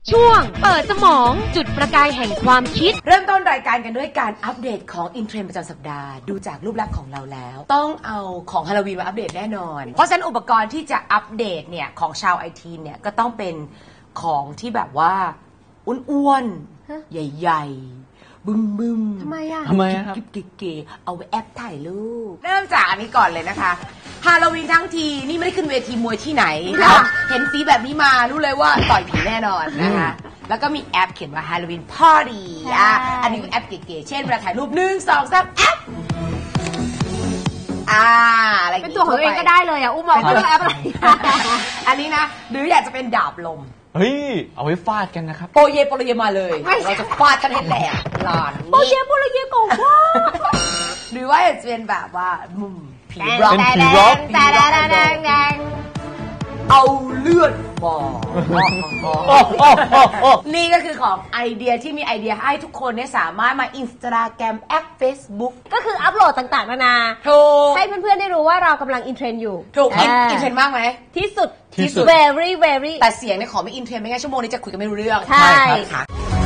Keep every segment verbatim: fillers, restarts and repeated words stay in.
ช่วงเปิดสมองจุดประกายแห่งความคิดเริ่มต้นรายการกันด้วยการอัปเดตของอินเทรนด์ประจำสัปดาห์ดูจากรูปลักษณ์ของเราแล้วต้องเอาของฮาโลวีนมาอัปเดตแน่นอนเพราะฉะนั้นอุปกรณ์ที่จะอัปเดตเนี่ยของชาวไอทีเนี่ยก็ต้องเป็นของที่แบบว่าอ้วนๆใหญ่ๆบึ้มบึ้มทำไมอ่ะทำไมครับเก๋ๆเอาไว้แอปถ่ายรูปเริ่มจากอันนี้ก่อนเลยนะคะฮาโลวีนทั้งทีนี่ไม่ได้ขึ้นเวทีมวยที่ไหนนะเห็นสีแบบนี้มารู้เลยว่าต่อยผีแน่นอนนะคะแล้วก็มีแอปเขียนว่า Halloween Party อ่ะอันนี้เป็นแอปเก๋ๆเช่นเวลาถ่ายรูปหนึ่งสองสามแอปอ่าอะไรเป็นตัวของตัวเองก็ได้เลยอ่ะอุ้มบอกว่าแอปอะไรอันนี้นะหรืออยากจะเป็นดาบลมเฮ้ยเอาไว้ฟาดกันนะครับโปเยโปโลเยมาเลยเราจะฟาดกันให้แหลกหลอนโปเยโปโลเยโกว่าหรือว่าจะเป็นแบบว่ามุมผีร็อกเป็นผีร็อกเอาเลือดมานี่ก็คือของไอเดียที่มีไอเดียให้ทุกคนเนี่ยสามารถมาอินสตาแกรมแอป Facebook ก็คืออัปโหลดต่างๆนานาให้เพื่อนๆได้รู้ว่าเรากำลังอินเทรนด์อยู่ถูกอินเทรนด์มากไหมที่สุดที่สุด very very แต่เสียงเนี่ยขอไม่อินเทรนด์ไม่งั้นชั่วโมงนี้จะคุยกันไม่รู้เรื่องใช่ค่ะ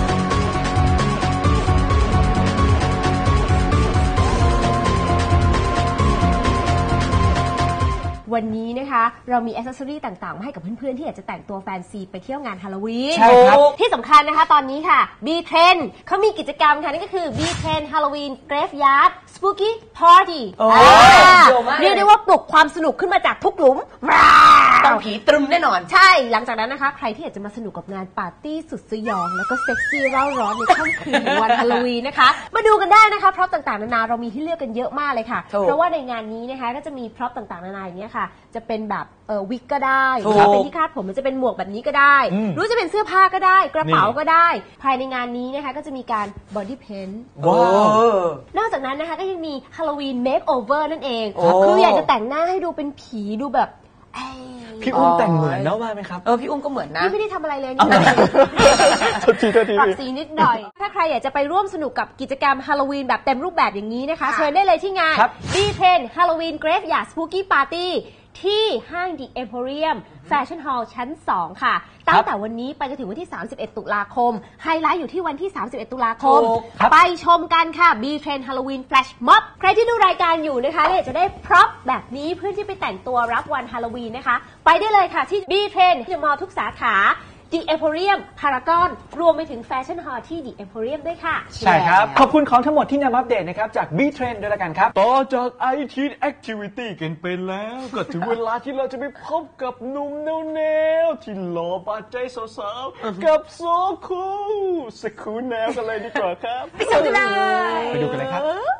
วันนี้นะคะเรามีแอคเซสซอรี่ต่างๆมาให้กับเพื่อนๆที่อยากจะแต่งตัวแฟนซีไปเที่ยวงานฮาโลวีนใช่ครับที่สำคัญนะคะตอนนี้ค่ะ B-Trend เขามีกิจกรรมค่ะนั่นก็คือ B-Trend Halloween Graveyard Spooky Party เรียกได้ว่าปลุกความสนุกขึ้นมาจากทุกหลุมต้องผีตรึมแน่นอนใช่หลังจากนั้นนะคะใครที่อยากจะมาสนุกกับงานปาร์ตี้สุดสยองแล้วก็เซ็กซี่เร่าร้อนในค่ำคืนวันฮาโลวีนนะคะมาดูกันได้นะคะพร็อพต่างๆนานาเรามีให้เลือกกันเยอะมากเลยค่ะเพราะว่าในงานนี้นะคะก็จะมีพร็อพต่างๆนานาอย่างเงี้ยค่ะจะเป็นแบบเออวิกก็ได้หรือเป็นที่คาดผมมันจะเป็นหมวกแบบนี้ก็ได้หรือจะเป็นเสื้อผ้าก็ได้กระเป๋าก็ได้ภายในงานนี้นะคะก็จะมีการบอดี้เพนท์ว้าวนอกจากนั้นนะคะก็ยังมีฮาโลวีนเมคโอเวอร์นั่นเองคืออยากจะแต่งหน้าให้ดูเป็นผีดูแบบพี่อุ้มแต่งเหมือนนะว่าไหมครับเออพี่อุ้มก็เหมือนนะพี่ไม่ได้ทำอะไรเลยนี่ปรับสีนิดหน่อยถ้าใครอยากจะไปร่วมสนุกกับกิจกรรมฮาโลวีนแบบเต็มรูปแบบอย่างนี้นะคะเชิญได้เลยที่งาน B-Trend Halloween Graveyard Spooky Party ที่ห้าง The Emporium Fashion Hall ชั้นสองค่ะตั้งแต่วันนี้ไปจนถึงวันที่สามสิบเอ็ดตุลาคมไฮไลท์อยู่ที่วันที่สามสิบเอ็ดตุลาคมไปชมกันค่ะ B-Trend Halloween Flash Mob ใครที่ดูรายการอยู่นะคะและอยากจะได้พร็อพแบบนี้เพื่อที่ไปแต่งตัวรับวันฮาโลวีนนะคะไปได้เลยค่ะที่ B-Trend ที่มอทุกสาขาThe Emporium Paragon รวมไปถึง Fashion Hall ที่ The Emporium ด้วยค่ะใช่ครับขอบคุณของทั้งหมดที่นำอัปเดตนะครับจาก B-Trend ด้วยละกันครับต่อจาก ไอ ที Activity กันไปแล้วก็ถึงเวลาที่เราจะไปพบกับหนุ่มแนวๆที่หล่อบาดใจสาวๆกับโซคูสคูแนวกันเลยดีกว่าครับไปดูกันเลยไปดูกันเลยครับ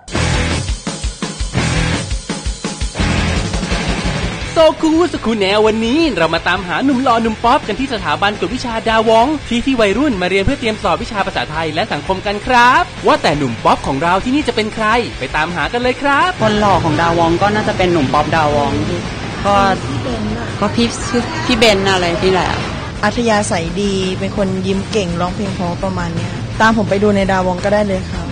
โซคูสคูแนววันนี้เรามาตามหาหนุ่มหล่อหนุ่มป๊อปกันที่สถาบันกวดวิชาดาวองที่ที่วัยรุ่นมาเรียนเพื่อเตรียมสอบวิชาภาษาไทยและสังคมกันครับว่าแต่หนุ่มป๊อปของเราที่นี่จะเป็นใครไปตามหากันเลยครับคนหล่อของดาวองก็น่าจะเป็นหนุ่มป๊อปดาวองก็ก็พี่พี่เบนอะไรที่แหละอัธยาศัยดีเป็นคนยิ้มเก่งร้องเพลงเพราะประมาณนี้ตามผมไปดูในดาวองก็ได้เลยครับ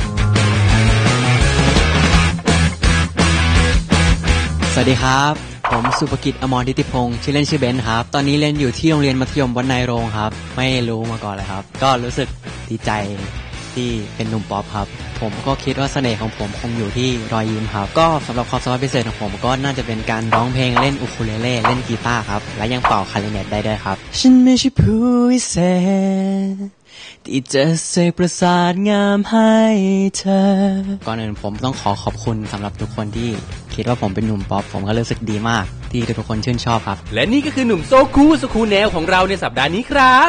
สวัสดีครับผมสุภกิจอมรทิติพงศ์ชื่อเล่นชื่อเบนครับตอนนี้เรียนอยู่ที่โรงเรียนมัธยมวัดนายโรงครับไม่รู้มาก่อนเลยครับก็รู้สึกดีใจที่เป็นหนุ่มป๊อปครับผมก็คิดว่าเสน่ห์ของผมคงอยู่ที่รอยยิ้มครับก็สำหรับความสามารถพิเศษของผมก็น่าจะเป็นการร้องเพลงเล่นอูคูเลเล่เล่นกีตาร์ครับและยังเป่าคลาริเนตได้ด้วยครับฉันไม่ใช่ผู้พิเศษที่จะเสกประสาทงามให้เธอก่อนอื่นผมต้องขอขอบคุณสำหรับทุกคนที่คิดว่าผมเป็นหนุ่มป๊อปผมก็รู้สึกดีมากที่ทุกคนชื่นชอบครับและนี่ก็คือหนุ่มโซคูสคูแนวของเราในสัปดาห์นี้ครับ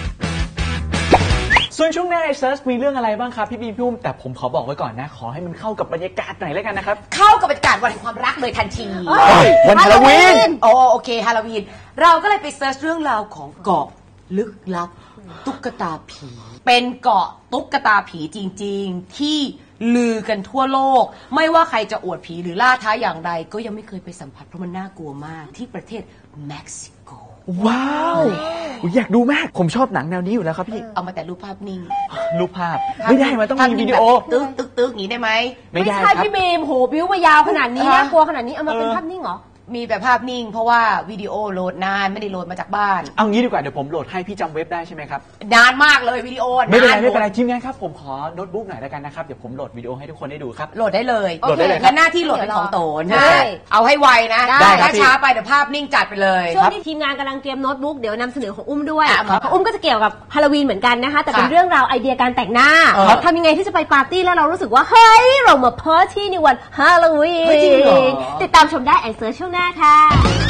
ส่วนช่วงหน้าไอเซิร์ชมีเรื่องอะไรบ้างครับพี่บีพี่อุ้มแต่ผมขอบอกไว้ก่อนนะขอให้มันเข้ากับบรรยากาศหน่อยแล้วกันนะครับเข้ากับบรรยากาศวันแห่งความรักเลยทันทีวันฮาโลวีนโอ้โอเคฮาโลวีนเราก็เลยไปเซิร์ชเรื่องราวของเกาะลึกลับตุ๊กตาผีเป็นเกาะตุ๊กตาผีจริงๆที่ลือกันทั่วโลกไม่ว่าใครจะอวดผีหรือล่าท้าอย่างไรก็ยังไม่เคยไปสัมผัสเพราะมันน่ากลัวมากที่ประเทศเม็กซิโกว้าวอยากดูมากผมชอบหนังแนวนี้อยู่แล้วครับพี่เอามาแต่รูปภาพนิ่งรูปภาพไม่ได้มันต้องมีวิดีโอตึ๊กตึ๊กตึ๊กอย่างนี้ได้ไหมไม่ได้ครับพี่บีมโหบิ้วมายาวขนาดนี้น่ากลัวขนาดนี้เอามาเป็นภาพนิ่งเหรอมีแต่ภาพนิ่งเพราะว่าวิดีโอโหลดนานไม่ได้โหลดมาจากบ้านเอางี้ดีกว่าเดี๋ยวผมโหลดให้พี่จำเว็บได้ใช่ไหมครับนานมากเลยวิดีโอไม่เป็นไรไม่เป็นไรทีมงานครับผมขอโน้ตบุ๊กหน่อยแล้วกันนะครับเดี๋ยวผมโหลดวิดีโอให้ทุกคนได้ดูครับโหลดได้เลยโหลดได้เลยครับงั้นหน้าที่โหลดเป็นของโตนใช่เอาให้ไวนะได้ครับถ้าช้าไปเดี๋ยวภาพนิ่งจัดไปเลยช่วงที่ทีมงานกำลังเตรียมโน้ตบุ๊กเดี๋ยวนำเสนอของอุ้มด้วยอ่ะของอุ้มก็จะเกี่ยวกับฮาโลวีนเหมือนกันนะคะแต่เป็นค่ะเรื่องราวไอเดียการแต่งหน้าเออทำยังไงที่จะไปปาร์ตี้แล้วเรารู้สึกว่าเฮ้ยเรามาปาร์ตี้ในวันฮาโลวีเฮ้ยจริงเหรอนติดตามชมได้ไอเซิร์ชช่วงหน้าค่ะ